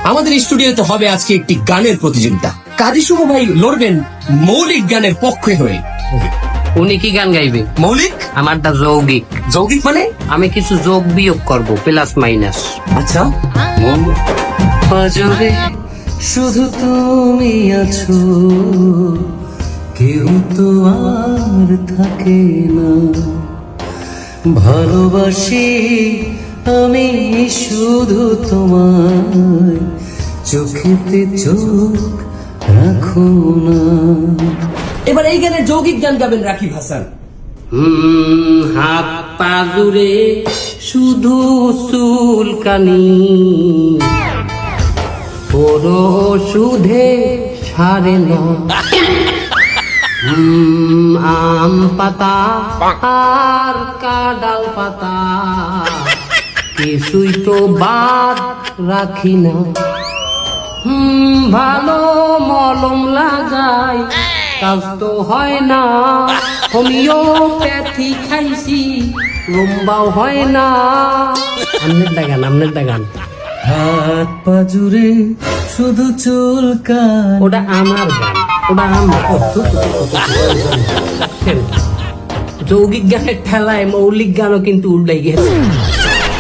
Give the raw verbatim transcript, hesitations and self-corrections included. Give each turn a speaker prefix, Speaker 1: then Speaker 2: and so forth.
Speaker 1: আমাদের স্টুডিওতে হবে আজকে একটি গানের প্রতিযোগিতা। কাজী শুভ ভাই লড়বেন মৌলিক গানের পক্ষে হয়ে।
Speaker 2: উনি কি গান গাইবে?
Speaker 1: মৌলিক?
Speaker 2: আমারটা যৌগিক।
Speaker 1: যৌগিক মানে?
Speaker 2: আমি কিছু যোগ বিয়োগ করব, প্লাস মাইনাস।
Speaker 1: আচ্ছা।
Speaker 2: পাজরে শুধু তুমি আছো, কেউ তো আর থাকে না। ভালোবাসি আমি শুধু তোমায়, চোখেতে চোখ রাখো না।
Speaker 1: এবার এই গানের যৌগিক গান গাবেন রাকিব হাসান।
Speaker 2: হুম, হাত পা জুড়ে শুধু চুলকানি, পুরো সুধে সারে না। হুম, আম পাতা আর কাডাল পাতা কিছুই তো বাদ রাখি না। হুম, ভালো মলম লাগাই কাজ তো হয় না, হোমিওপ্যাথি খাইছি লম্বাও হয় না। আমনের দাগান, আমনের দাগান।
Speaker 3: হাত পা জুড়ে শুধু চুলকানি।
Speaker 2: ওটা আমার গান, ওটা আমার। যৌগিক গানের ঠেলায় মৌলিক গানও কিন্তু উল্টাই গেছে।